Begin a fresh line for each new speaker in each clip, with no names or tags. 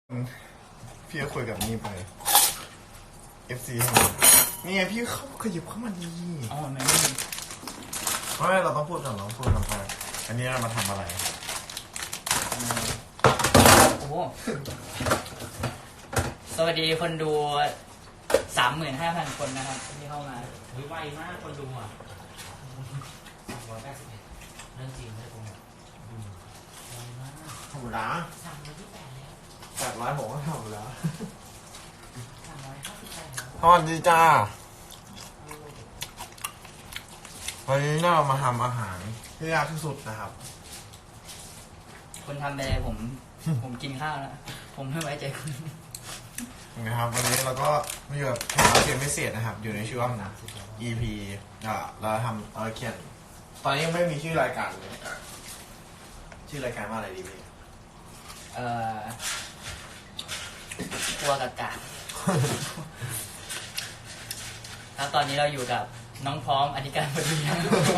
พี่ก็คุยกับนี่ไป FC นี่ไงพี่เขาขยับเข้ามาดี
อ๋อไม่
เราต้องพูดก่อนเราต้องพูดก่อนไปอันนี้เรามาทำอะไร
โอ้โหสวัสดีคนดู 35,000 คนนะครับที่เข้ามาไวมากคนดูอ่ะ181เรื่องจริงไม่โกหกไวมาก
ธรรมดา
328แล้ว
800ผมก็ทำแล้ว
358
สวัสดีจ้าวันนี้เรามาทำอาหารที่ยากที่สุดนะครับ
คนทำไปเลยผมกินข้าวแล้วผมไม่ไว้ใจคุณ
นะครับวันนี้เราก็มาอยู่กับแขกรับเชิญพิเศษนะครับอยู่ในช่วง EP เราทำเขียนตอนนี้ยังไม่มีชื่อรายการเลยชื่อรายการว่าอะไรดีพี่
กลัวกากาแล้วตอนนี้เราอยู่กับน้องพร้อมอธิการบดี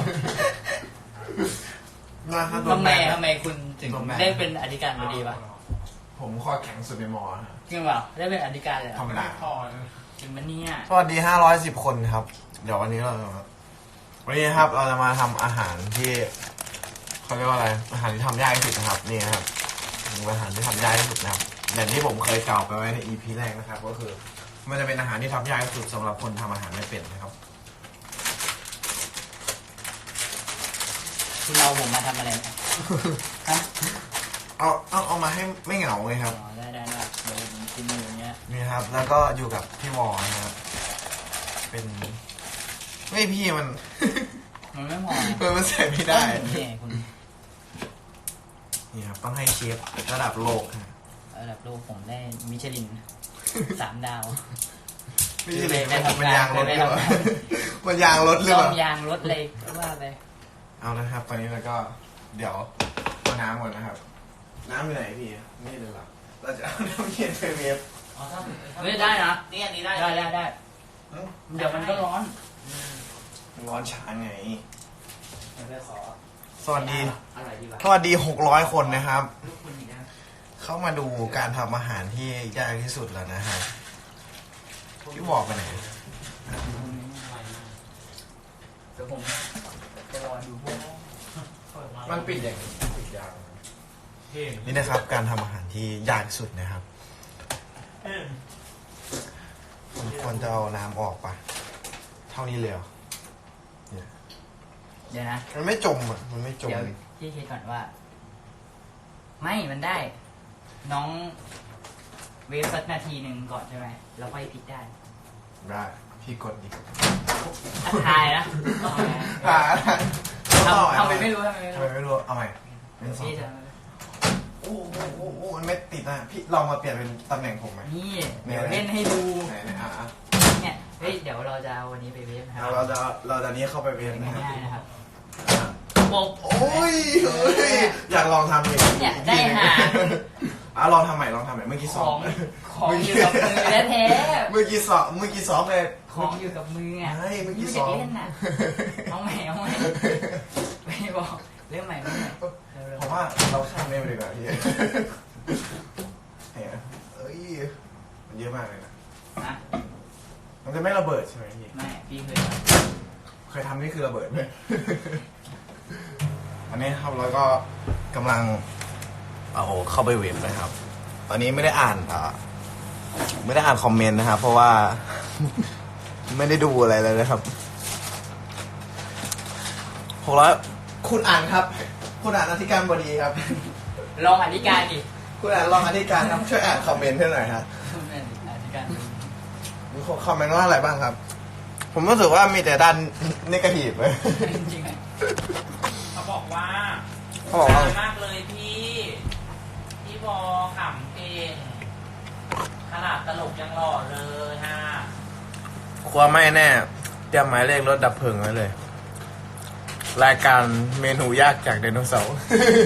ทำไมคุณถึงได้เป็นอธิการบดีวะ
ผมข้อแข็งสุดในมอ
จริงเปล่าได้เป็นอธิการเลย
ธรรมดา
จริงมันเนี่ย
สวัสดี510 คนครับเดี๋ยววันนี้เราครับเราจะมาทำอาหารที่เขาเรียกว่าอะไรอาหารที่ทำยากที่สุดนะครับนี่ครับอาหารที่ทำยากที่สุดนะครับอย่างที่ผมเคยกล่าวไปไว้ใน EP แรกนะครับก็คือมันจะเป็นอาหารที่ทำยากที่สุดสำหรับคนทำอาหารไม่เป็นนะครับ
คุณเอาผมมาทำอะไรฮะ
เอามาให้ไม่เหงาเลยครับ
ได้เดี๋ยวผมกินอย่างเงี้ย
นี่ครับแล้วก็อยู่กับพี่วอนะครับเป็นไม่พี่มัน
ไม่พอ
มันใส่ไม่ได้
นี่คุณ
นี่ครับต้องให้เชฟระดับโลก
ระดับโลกผมได้มิชลิน3 ดาว
ไม่ใช่เลยมันยางรถหรือเปล่ามันยางรถหรือเปล่าย
างรถเลยว่าไป
เอานะครับตอนนี้เราก็เดี๋ยวเอาน้ำก่อนนะครับน้ำอยู่ไหนพี่นี่เลยหรอเราจะเอาน้ำเย็นไปเวฟ
ไม่ได้นะนี่อันนี้ได้เดี๋ยวมันก็ร้อน
ช้าไง
ส
วัสดี600 คนนะครับเข้ามาดูการทำอาหารที่ยากที่สุดแล้วนะฮะพี่บอกไปไหน
เดี๋ยวผมจะรอดูพวก
มันปิดอย่างปิดยางนี่นะครับการทำอาหารที่ยากที่สุดนะครับควรจะเอาน้ำออกปะเท่านี้เลยเหรอ
เดี๋ยวนะ
มันไม่จมอ่ะมันไม่จม
เดี๋ยวพี่คิดก่อนว่าไม่มันได้น้องเวฟสักนาทีหนึ่งก่อนใช่ไหมแล้วค่อยพลิกได้
พี่กดดิ
ถ่ายนะทำไปไม่รู้
เอาใหม่โอ้มันไม่ติดนะพี่ลองมาเปลี่ยนเป็นตำแหน่งผมไหม
นี่เดี๋ยวเล่นให้ดู
เนี่ย
เฮ้ยเดี๋ยวเราจะวันนี้ไปเวฟนะครับ
เราจะนี้เข้าไปเวฟ
ง่ายๆนะครับ
โอ้ยอยากลองทำเลย
เนี่ยได้หา
ลองทำใหม่เมื่อกี้ซ้อม
ของอยู่กับมือแท้
เมื่อกี้ซ้อมเลย
ของอยู่กับมืออ่ะ
เมื่อกี้ซ้อม
เล่นน่ะเอาใหม่ไม่บอกเรื่องใหม่
ผมว่าเราข้ามได้ไปดีกว่าพี่เอ้ยมันเยอะมากเลยนะมันจะไม่ระเบิดใช่ไหมพี่
ไม่พี่
เคยทำนี่คือระเบิดไหมอันนี้ครับแล้วก็กำลังเอาเข้าไปเว็บนะครับตอนนี้ไม่ได้อ่านคอมเมนต์นะครับเพราะว่าไม่ได้ดูอะไรเลยนะครับ600คุณอ่านครับคุณอ่านอธิการบดีครับ
ลองอธิการดิ
คุณอ่านลองอธิการครับช่วยอ่านคอมเมนต์ให้หน่อยครับ
อธิการ
มีคอมเมนต์ว่าอะไรบ้างครับผมรู้สึกว่ามีแต่ด้านเนกาทีฟเลย
จริงๆเขาบอกว่ามากเลยพี่บอขำเก่งขนาดตลกยังหล่อเลยฮะ
ครัวไม่แน่เตรียมหมายเลขรถดับเพลิงไว้เลยรายการเมนูยากจากไดโนเสาร์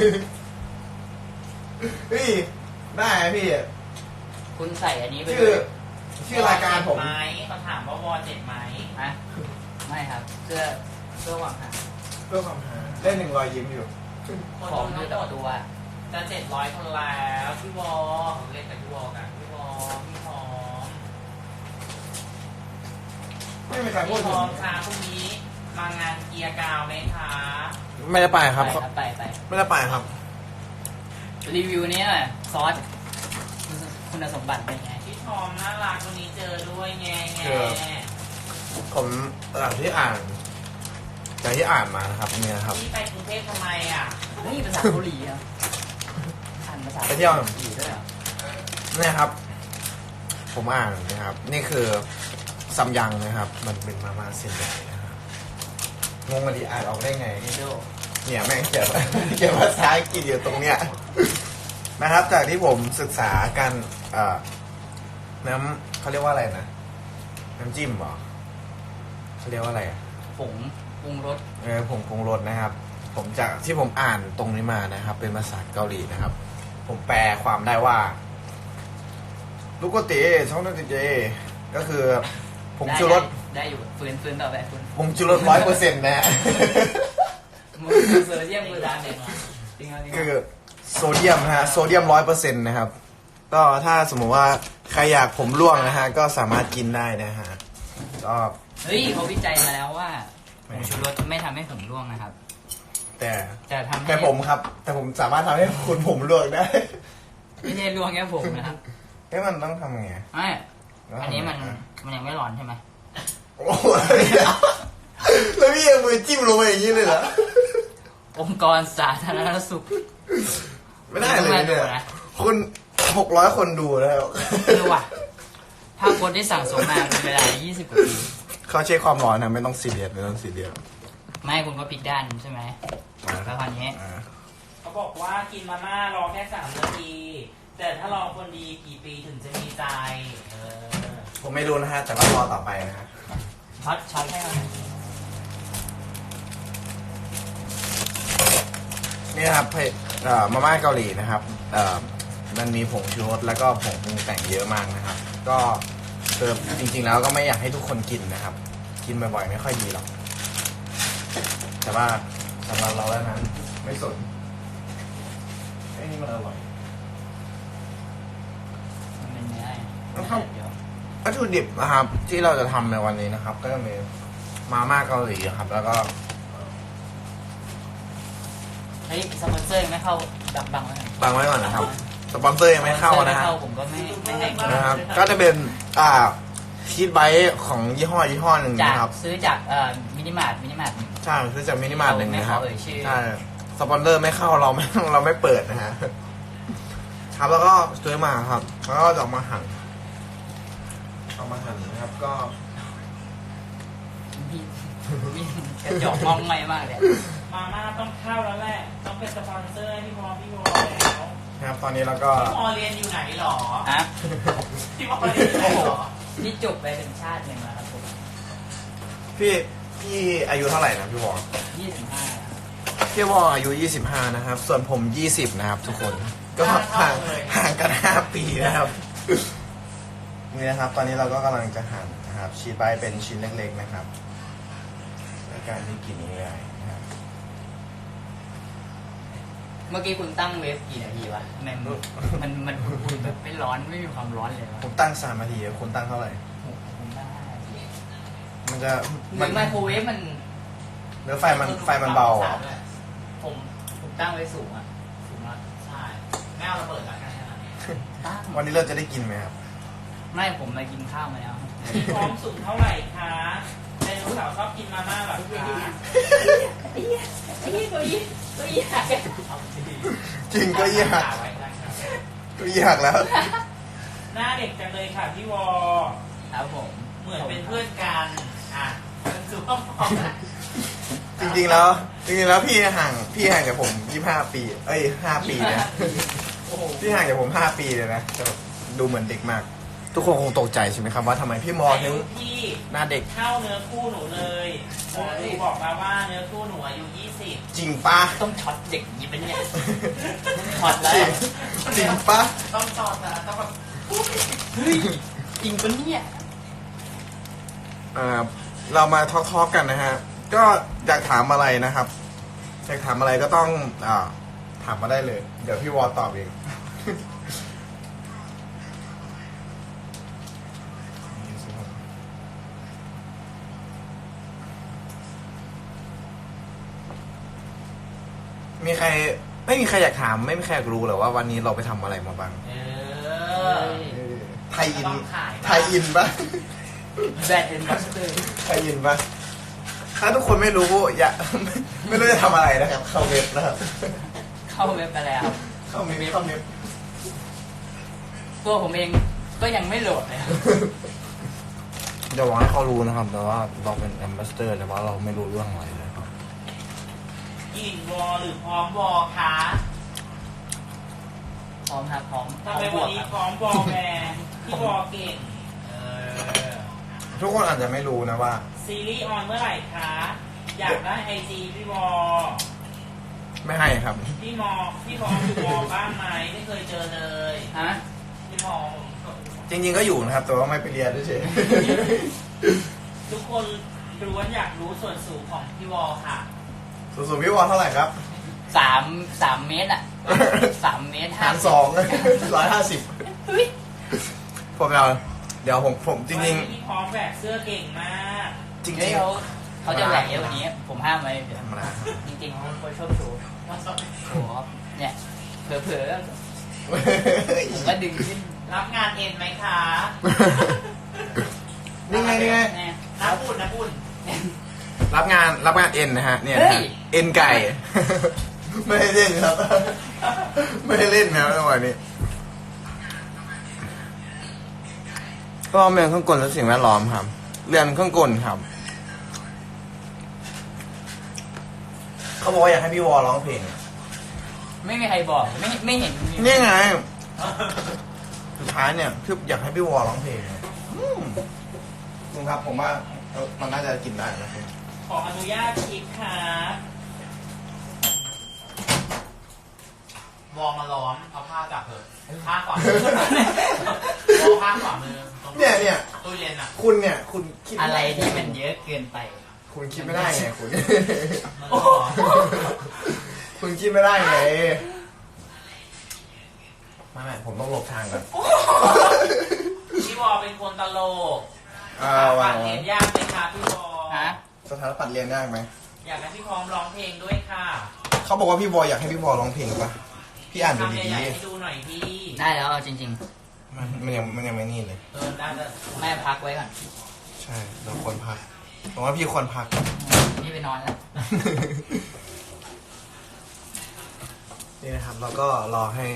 พี่ได้พี่
คุณใส่อันนี้ไป
ชื่อรายการผม
ไหมเขาถามว่าวอเจ็บไหมฮะไม่ครับเสื้อหวังหา
เล่น1 รอยยิ้มอยู่
ของอยู่ต่อตัวจะ700 คนแล้วพี่วอเล่นกับพี่วอกัน
มีใครพูด
พี่
ถึ
พ
ง
ร้อมค่ะพรุ่งนี้มางานเกียร์กาวไหมคะ
ไม่ได้ไปครับ
ไป
ไม่ได้ไปครับ
รีวิวนี้หน่อยซอสคุณสมบัติเป็นไง
พี่ทอมน่ารักวันนี้เจอด้วยแง่แง่
เจอ ผมจากที่อ่านมานะครับเนี่ยครับ
พี่ไปกรุงเทพทำไมอ่ะ
เฮ้ยภาษาเกาหลีอ่ะอ่านภาษา
ไปเที่ยว
เกาหลีด้วยเหรอ
เนี่ยครับ ผมอ่านนะครับ นี่คือซัมยังนะครับ มันเป็นมาม่าเส้นใหญ่นะครับงงกันดีอ่านออกได้ไง
เดโด
เนี่ยแม่งเขียน เขียนภาษาอังกฤษอยู่ตรงเนี้ยนะครับ จากที่ผมศึกษาการน้ำเขาเรียกว่าอะไรนะน้ำจิ้มเหรอเขาเรียกว่าอะไรอะ
ผงปรุงรส
ผงปรุงรสนะครับ ผมจากที่ผมอ่านตรงนี้มานะครับ เป็นภาษาเกาหลีนะครับ ผมแปลความได้ว่าลูกโกเตช่องนักเจก็คือผงชูรส
ได้อยู่ฟื้นต่อไปฟื้น
ผงชูรส100%นะ
มือเซอร์เซียมมือดานเนี่ยจริงๆ
คือโซเดียมนะฮะโซเดียม100%นะครับ ก็ถ้าสมมติว่าใครอยากผมร่วงนะฮะก็สามารถกินได้นะฮะก็
เฮ้ยเขาวิจัยมาแล้วว่าผงชูรสไม่ทำให้ผมร่วงนะครับ
แต่
จะทำให้
แต่ผมครับ แต่ผมสามารถทำให้คุณผมร่วงได้
ไม่ใช่ร่วงแค่ผมนะครับ
เอ๊ะมันต้องทำไง
ไม่อันนี้มันยังไม่ร้อนใช่ไหม
โอ้โหแล้วพี่เอามือจิ้มลงไปอย่างนี้เลยเหรอ
องค์กรสาธารณสุข
ไม่ได้เลย
ไม่
เนี่ย
ดูนะ
คุณ600 คนดูแล้ว
คือว่ะภาพโพสต์ที่สั่งสมมาเป็นเวลา20 กว่าปี
เขาเช็คความร้อนนะไม่ต้องซีเรียสไม่ต้องซีเรียส
ไม่คุณก็พลิกด้านใช่ไหมแล้วคราวนี้
เขาบอกว่ากินมาม่ารอแค่3 นาที แต่ถ้ารอคนดีกี่ปีถึงจะมีใจเออ
ผมไม่รู้นะฮะแต่ก็รอต่อไปนะฮะ
ช็อตให้เราหน่อย
นี่นะครับมาม่าเกาหลีนะครับมันมีผงชูรสแล้วก็ผงปรุงแต่งเยอะมากนะครับ ก็คือจริงๆแล้วก็ไม่อยากให้ทุกคนกินนะครับ กินบ่อยๆไม่ค่อยดีหรอก แต่ว่าสำหรับเราแล้วนั้นไม่สนไอ้นี่มันอร่อย
มันเป็นเนื้อ
นะครับ วัตถุดิบนะครับที่เราจะทำในวันนี้นะครับ ก็จะมีมาม่าเกาหลีครับ แล้วก็
เฮ้ยสปอนเซอร์ยังไม่เข้าบังไว้หน่อย
บังไว้ก่อนนะครับสปอนเซอร์ยังไม่เข้านะ
ไม่
ฮะ
เข้าผมก็ไม่ให้กิน
นะครับ ก็จะเป็นชีสไบต์ของยี่ห้อหนึ่ง
จาก
นะครับ
ซื้อจากมินิมาร์ท
ใช่ซื้อจากมินิมาร์ทหนึ่งนะครับ
ไม่ขอเอ่ยชื่อ
ใช่สปอนเซอร์ไม่เข้าเราไม่เปิดนะฮะครับแล้วก็ซื้อมาครับ แล้วก็จะเอามาหั่นนะครับ ก็
มีกระจอกมองไม่มากเลย
มาม่าต้องเข้าแล้วแหละ ต้องเป็นสปอนเซอร์ให้พี่พอแล้ว
นะครับตอนนี้เราก็
พี่พอเรียนอยู่ไหนหรอ
ฮะ
พี่พอเรียนอยู่ไหนหรอ
นี่จบไปเป็นชาติหนึ่งแล้วครับผม
พี่อายุเท่าไหร่นะพี่วอ
25
พี่วออายุ25นะครับ ส่วนผม20นะครับ ทุกคนก็ห่างกัน5 ปีนะครับนี่นะครับ ตอนนี้เราก็กำลังจะหั่นนะครับชีสไบต์เป็นชิ้นเล็กๆนะครับในการที่กินง่ายๆนะครับ
เมื่อกี้คุณตั้งเวฟกี่นาทีวะทำไมมันอุ่นๆแบบไม่ร้อนไม่มีความร้อนเลยวะ
ผมตั้ง3 นาทีคุณตั้งเท่าไหร่
ผมได้
มันจะ
หรือไมโครเวฟมัน
เนื้อไฟมันเบาอ่ะ
ผมตั้งไว้สูงอ่ะสูงมาก
ใช่ไม่เอาระเบิดแล้วกันนะ
ตั้ง
วันนี้เราจะได้กินไหมครับ
ไม่ผมมากินข้าวมาแล้ว
พี่พร้อมสูงเท่าไหร่คะไดโนเสาร์ชอบกินมาม่าแบบคะ
ไอ้เหี้ยตัวยี่หัก
จริงก็ยาก
ไว้ได้ครับ
ก็ยากแล้ว
หน้าเด็กจังเลยค่ะพี่วอ
ครับผม
เหมือนเป็นเพื่อนกันอ่ะมันคือพ่อพอนะ
จริงๆแล้วพี่ห่างจากผม25 ปี5 ปีนะ
โอ้โห
พี่ห่างจากผม5 ปีเลยนะแต่ดูเหมือนเด็กมาก ทุกคนคงตกใจใช่ไหมครับว่าทำไมพี่มอ
อา
ถึ
ยุ
ง
พี่
หน้าเด็ก
เท่าเนื้อคู่หนูเลยหมอดูบอกมาว่าเนื้อคู่หนูอายุ20
จริงปะ
ต้องช็อตเด็กยิบเป็นเนี่ยช็อตแล้ว
จริงปะ
ต้องตอบนะต้องแบบ
เฮ้ยจริงปะเนี่ย
เรามาทอล์กกันนะฮะ ก็อยากถามอะไรนะครับ อยากถามอะไรก็ต้องถามมาได้เลย เดี๋ยวพี่วอตอบเอง นมีใครไม่มีใครอยากถามไม่มีใครอยากรู้หรอว่าวันนี้เราไปทำอะไรมาบ้าง ไทยอิน
ต้องขาย
ไทยอินปะ
แบรนด์เอ็นบัสเตอร์
ไทยอินปะถ้าทุกคนไม่รู้อย่า ไม่รู้จะทำอะไรนะครับ เข้าเว็บนะครับ
เข้าเว็บไปแล้ว
เข้าเว็บ
ตัวผมเองก็ยังไม่โหลดเลย
เดี๋ยวหวังให้เขารู้นะครับ แต่ว่าเราเป็นแอมบาสเตอร์แต่ว่าเราไม่รู้เรื่องอะไรเลยครับ
อินวอหรือพร้อมวอคะ
พร้อมครับพร้อม
ทำไมวันนี้พร้อมวอแม่พี่วอเก่ง
ทุกคนอาจจะไม่รู้นะว่า
ซีรีส์ออนเมื่อไหร่คะ อยากได้ไอจีพี่วอ
ไม่ให้ครับ
พี่วออยู่วอบ้างไหมไม่เคยเจอเลย
ฮะ
พี่วอ
จริงๆก็อยู่นะครับ แต่ว่าไม่ไปเรียนเฉย
ทุกคนล้วนอยากรู้ส่วนสูงของพี่วอค่ะ
ๆส่วนพี่วอลเท่าไหร่ครับ
3 เมตรอ่ะ 3 เมตร
หาร2 150ผมเอาเดี๋ยวผมจริง
พี่พร้อมแบกเสื้อเก่งมาก
ๆจริ
เฮ้ย
ง
เขาจะแหวกเยอะกว่านี้ ผมห้ามไว้เดี๋ยว
ธรรมดา
จริงๆเขาชอบโชว์โชว์ครับเนี่ยเผลอๆผมก็ดึงขึ้น
รับงานเอ็นไหมคะ
นี่ไง
น้าปุ่น
รับงานเอ็นนะฮะเนี่ยนะฮะเอ็นไก่ ไม่ได้เล่นครับ ไม่ได้เล่นนะครับจังหวะนี้ก็เรียนเครื่องกลและสิ่งแวดล้อมครับเรียนเครื่องกลครับเขาบอกว่าอยากให้พี่วอร้องเพลง
ไม่มีใครบอกไม่เห็นมี
นี่ไงสุดท้ายเนี่ยคืออยากให้พี่วอร้องเพลงลุงครับผมว่ามันน่าจะกินได้นะครับ
ขออนุญาตคลิปค่ะวอมาล้อมเอาผ้าจับเถอะผ้าขวามือวอผ้าขวามือตรง
เนี่ย
ตู้เย็นอ่ะ
คุณเนี่ยคุณคิด
อะไรที่มันเยอะเกินไป
คุณคิดไม่ได้ไงคุณ
มันร้อน
คุณคิดไม่ได้ไงไม่ผมต้องหลบทางก่อน
พี่วอเป็นคนตลก
ว่า
ฟังเห็นยากไหมคะพี่วอ
ฮะ
สถานปัดเรียนยากไหม
อยากให้พี่พร้อมร้องเพลงด้วยค่ะ
เขาบอกว่าพี่บอยอยากให้พี่บอยร้องเพลงปะพี่อ่านดู
ทำ
ดี
ใหญ่ๆให้ดูหน่อยพี่
ได้แล้วเอาจริง
ๆมันยังไม่นี่เลย
ได้เลย
ๆ แม่พักไว้ก่อน
ใช่เราควรพักผมว่าพี่ควรพัก
นี่ไปนอนแล้ว
นี่นะครับแล้วก็รอให้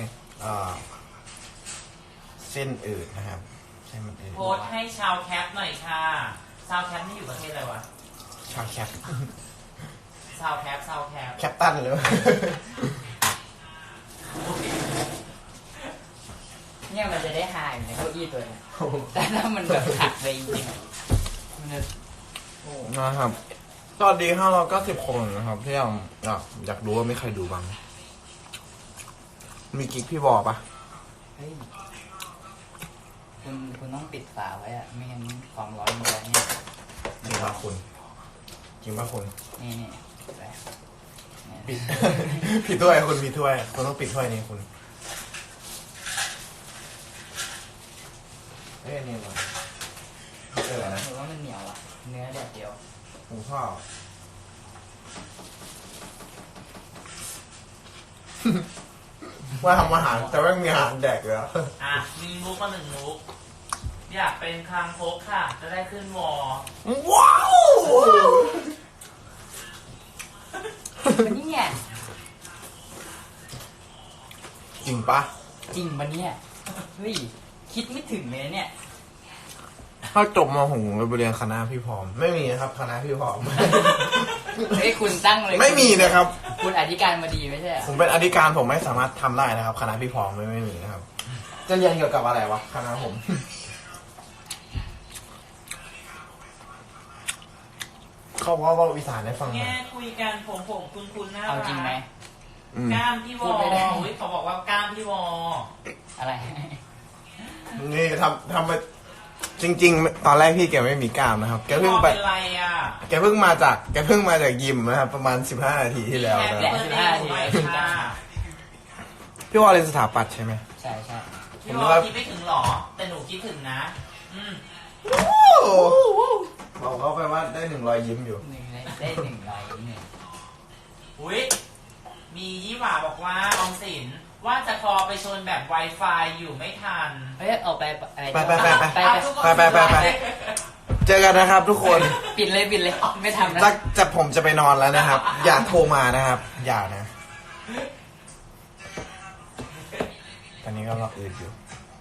เส้นอืดนะครับเส้นมันอืด
โพสต์ให้ชาวแคปหน่อยค่ะ ชาวแคปนี่อยู่ประเทศอะไรวะ
ชาวแคป
ชาวแคป
แคปตันเลยวะ
เนี่ยมันจะได้หายอยู่ในเก้าอี้ตัวเนี้ยแต่ถ้ามันแบบหักไปจริงๆอะมันจะโอ้
นะครับสวัสดี590 คนนะครับที่อยากรู้ว่ามีใครดูบ้างมีกิ๊กพี่บอปะ
เฮ้ยคุณต้องปิดฝาไว้อะไม่งั้นความร้อนมันจะเนี่ย
จริงป่ะคุณจริงป่ะคุณ
นี่ไป
ปิด ปิดถ้วยคุณปิดถ้วยคุณต้องปิดถ้วยนี้คุณเอ้ยนี่มันเจออะไรนะ
หรือว่ามันเหนียวอะเนื้อแดดเดียว
หมูทอด ว่าทำอาหารแต่ว่ามีอาหารแดกเลยอะ
อ่ะมีมุกมา1มุก อยากเป็นคางคกค่ะ จะได้ขึ้นวอ
ว้าว
มันนี่เนี่ย
จริงปะ
จริงมันเนี่ยเฮ้ยคิดไม่ถึงเลยนะเนี่ย
ถ้าจบมาผมไปเรียนคณะพี่พร้อม ไม่มีนะครับคณะพี่พร้อม
เฮ้ยคุณตั้งเลย
ไม่มีนะครับ
คุณอธิการมาดีไม่ใช่เหรอ
ผมเป็นอธิการผมไม่สามารถทำได้นะครับ คณะพี่พร้อมไม่มีนะครับ จะเรียนเกี่ยวกับอะไรวะคณะผม เขาว่าวิสานได้ฟังไหม
แง่คุยกันผมคุณน่า
เอา
รัก
จริงไหม
กล้ามพี่ว
พู
อ
ดไม่ได้
อุ๊ยเขาบอกว่ากล้ามพี่วอ
อะไร
นี่ทำไปจริง ๆ ตอนแรกพี่แกไม่มีกล้ามนะครับ แก
พี่
เพิ่
ว
ง
อ
ไป
เป็นไรอ่ะ
แกเพิ่งมาจากยิมนะครับ ประมาณ15 นาทีที่แล้ว
แฮป
นะ
ปี้เบิร์ดเดย์หน่อยค่ะ
พี่วอเรียนสถาปัตย์ใช่ไหม
ใช่ใช่
พี่วอคิดไม่ถึงหรอ แต่หนูคิดถึงนะ
บอกเขาไปว่าได้100 ยิ้มอยู่
1 ได้ 100 1
อุ้ยมียี่หว่าบอกว่าออมสินว่าจะคอไปชนแบบ Wi-Fi อยู่ไม่ทัน
เฮ้ยออกไป
ไปเจอกันนะครับทุกคน
ปิดเลยไม่ทำนะ
จะผมจะไปนอนแล้วนะครับ อย่าโทรมานะครับ อย่านะ ตอนนี้ก็รออืดอยู่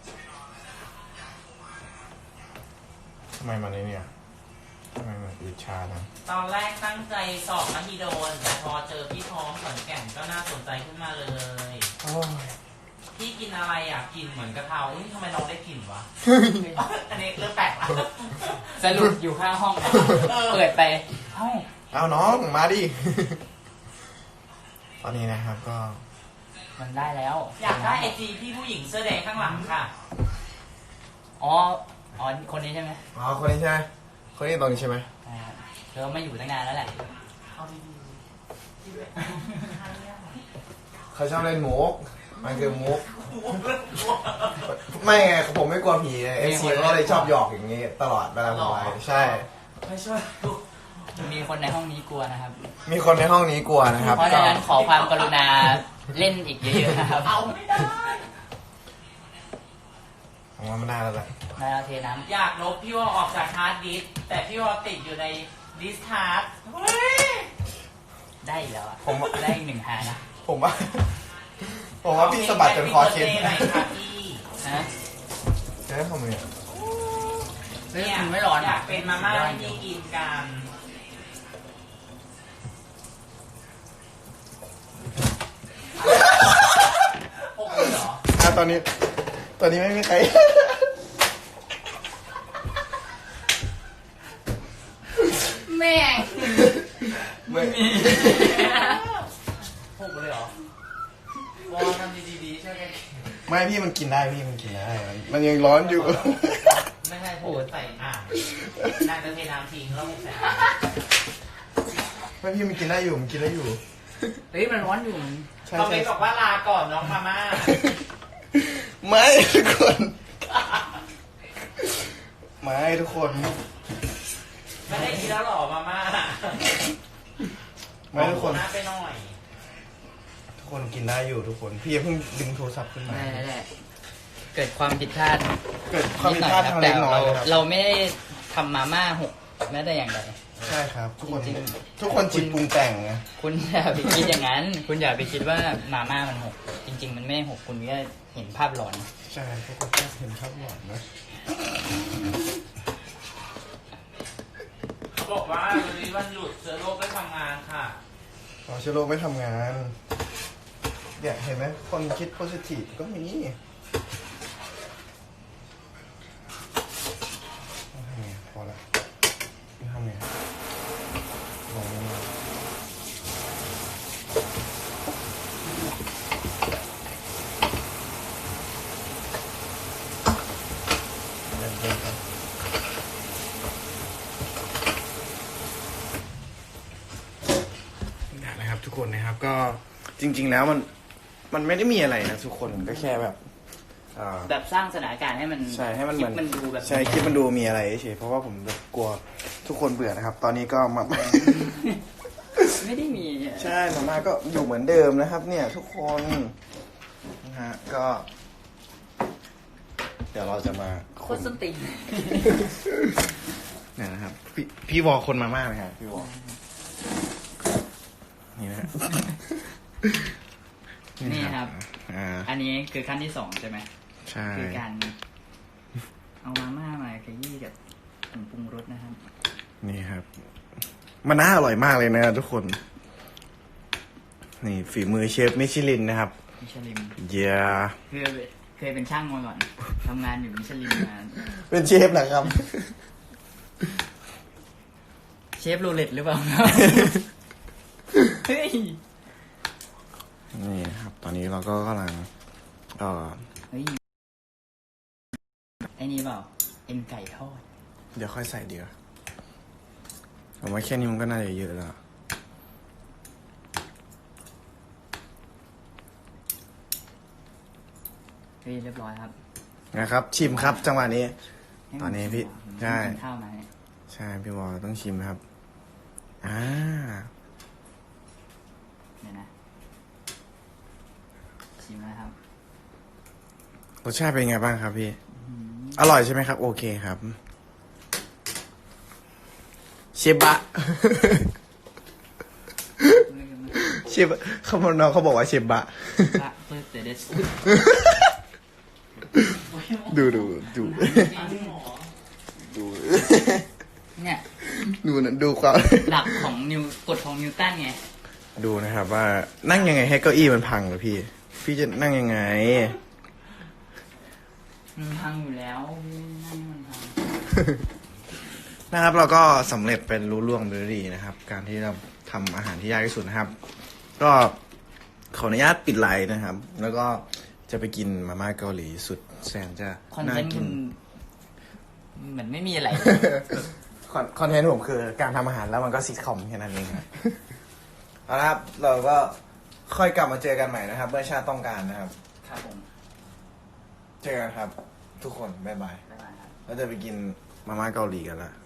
ทำไมมันเนี่ยทำไมมันอืดชานะ
ตอนแรกตั้งใจสอบมหิดลแต่พอเจอพี่ท้องขอนแก่นก็น่าสนใจขึ้นมาเลย
โอ้ย
พี่กินอะไรอ่ะกินเหมือนกะเพราอุ๊ยทำไมน้องได้กลิ่นวะ อันนี้เริ่มแปลกละ
สรุปอยู่ข้างห้องนะเปิดไปเอ้า
เอาน้องมาดิ ตอนนี้นะครับก็
มันได้แล้ว
อยากได้ไอจีพี่ผู้หญิงเสื้อแดงข้างหลังค่ะ
อ๋อคนนี้ใช่ไหม
อ๋อคนนี้ใช่ไหมคนนี้ตรงนี้ใช่ไหม
เธอไม่อยู่ตั้งนานแล้วแหละ
เอาดี
เขาชอบเล่นมุกมันคือมุก ไม่ไงผมไม่กลัวผีเอฟซีก็เลยชอบหยอกอย่างนี้ตลอดเวลาผมไลฟ์ใช่
ๆไม่ช่วยดู
มีคนในห้องนี้กลัวนะครับ
มีคนในห้องนี้กลัวนะครับ
เพราะฉะนั้นขอความกรุณาเล่นอีกเยอะๆนะครับ
เอาไม่ได้
ผมว่ามันได้แล้วแหละ
มาเอาเทน้
อยากลบพี่วอออกจากฮาร์ดดิสก์แต่พี่วอติดอยู่ในดิสก์ฮาร์ดเฮ้ย
ำได้อีกแล้วอะ
ผม
ได้อีก1 หานะ
ผมว่า ผมว่าพี่สะบัดจนคอเคล็ด
ไหนค่ะพี่
ฮะ
ใช่ทำไมอ่ะ
เฮ้ย
เนี่ย
มันไม่ร้อน
อยากเป็นมาม่าให้พี่กินกัน พวกคุณเหรอ
ตอนนี้ไม่มีใคร
แม่ง
ไม่
พวกคุณเลยเหรอวอทำดีๆช่วยกัน
ไม่พี่มันกินได้พี่มันกินได้ มันยังร้อนอยู่
ไม่ใช่พูดใส่น่าจะเทน้ำทิ้งแล้วใส่
ไม่พี่มันกินได้อยู่มันกินได้อยู่
เฮ้ยมันร้อนอยู่
ใช่
คอมเม
ใช่
นต์บอกว่าลาก่อนน้องมาม่า
ไม่ทุกคนไม่ทุกคน
ไม่ได้กินแล้วหรอมาม่า
ไม่ทุกคน
หน้าไปหน่อย
ทุกคนกินได้อยู่ทุกคนพี่อย่าเพิ่งดึงโทรศัพท์ขึ้นมา
แหละเกิดความผิดพลาด
เกิดความผิดพลาดทาง
แต่
เล็กน้อยนะครับ
เราไม่ได้ทำมาม่าหกแม้แต่อย่างใด
ใช่ครับ ทุกคน
จริง
ทุกคนจิตปรุงแต่งนะ
คุณอย่าไปคิดอย่างนั้น คุณอย่าไปคิดว่ามาม่ามันหกจริง ๆ มันไม่หกคุณก็เห็นภาพหลอน
ใช่ทุกคนก็เห็นครับหวานนะ
เขาบอกว่าวันนี้วันหยุดเชื้อโรคไม่ทำงานค่ะ
อ๋อเชื้อโรคไม่ทำงานเนี่ยเห็นไหมคนคิดโพสิทีฟก็มีต้องทำไงพอละไม่ทำไงลองมาเดินๆครับนะครับทุกคนนะครับก็จริง ๆ แล้วมันไม่ได้มีอะไรนะทุกคนก็แค่แบบ
แบบสร้างสถานการณ์ให้มัน
ใช่ให้มันเหมือน
คลิปมันดูแบบ
ใช่คลิปมันดูมีอะไรเฉยเพราะว่าผมแบบกลัวทุกคนเบื่อนะครับ ตอนนี้ก็มา
ไม่ได้มี
ใช่มาม่าก็อยู่เหมือนเดิมนะครับ เนี่ยทุกคนนะฮะก็ เดี๋ยวเราจะมา
โคตรส้นตีน
เนี่ยนะครับพี่วอคนมาม่าไหมครับพี่วอนี่นะฮะ
นี่ครับ
อ่า
อันนี้คือขั้นที่ 2ใช่ไหม
ใช่
คือการเอามาม่ามาขยี้กับผงปรุงรสนะครับ
นี่ครับ มันน่าอร่อยมากเลยนะทุกคน นี่ฝีมือเชฟมิชลินนะครับ
มิชลิน
เย้
เคยเป็นช่างมาก่อนทำงานอยู่มิชลินมา
เป็นเชฟนะครับ
เชฟโรเล็ตหรือเปล่า เฮ้ย
นี่นะครับ ตอนนี้เราก็กำลัง
เฮ้ยไอ้นี่เปล่าเอ็นไก่ทอด
เดี๋ยวค่อยใส่เดี๋ยวผมว่าแค่นี้มันก็น่าจะเยอะแล้ว
เฮ้ยเรียบร้อยครับ
นะครับ ชิมครับจังหวะนี้
ให้
ตอนนี้พี่
ผม
ใช่
กินข้าวมาเนี่ย
ใช่พี่วอต้องชิมครับ
เดี๋ยวนะชิมนะครับ
รสชาติเป็นไงบ้างครับพี่ อร่อยใช่ไหมครับ โอเคครับเชฟบะ เชฟเขาน้องเขาบอกว่าเชฟบะ
ละเพื่อเดส
ดู
จริงเหรอ
ดู
เนี่ย
ดูความ
หลักของกฎของนิวตันไง
ดูนะครับว่านั่งยังไงให้เก้าอี้มันพังเหรอพี่ พี่จะนั่งยังไง
มันพังอยู่แล้วพี่นั่นมันพัง
นะครับเราก็สำเร็จเป็นรู้ล่วงไปด้วยดีนะครับ การที่เราทำอาหารที่ยากที่สุดนะครับ ก็ขออนุญาตปิดไลน์นะครับ แล้วก็จะไปกินมาม่าเกาหลีสุดแสนจะ
คอน
น่า
เทนต์
กิ
คุ
น
ณเหมือนไม่มีอะไร
คอนเทนต์ผมคือการทำอาหารแล้วมันก็ซิทคอมแค่นั้นเองครับ เอาละครับเราก็ค่อยกลับมาเจอกันใหม่นะครับเมื่อชาติต้องการนะครับ
ครับผม
เจอกันครับ ทุกคนบ๊ายบาย
บ๊ายบายครับ
เราจะไปกินมาม่าเกาหลีกันละ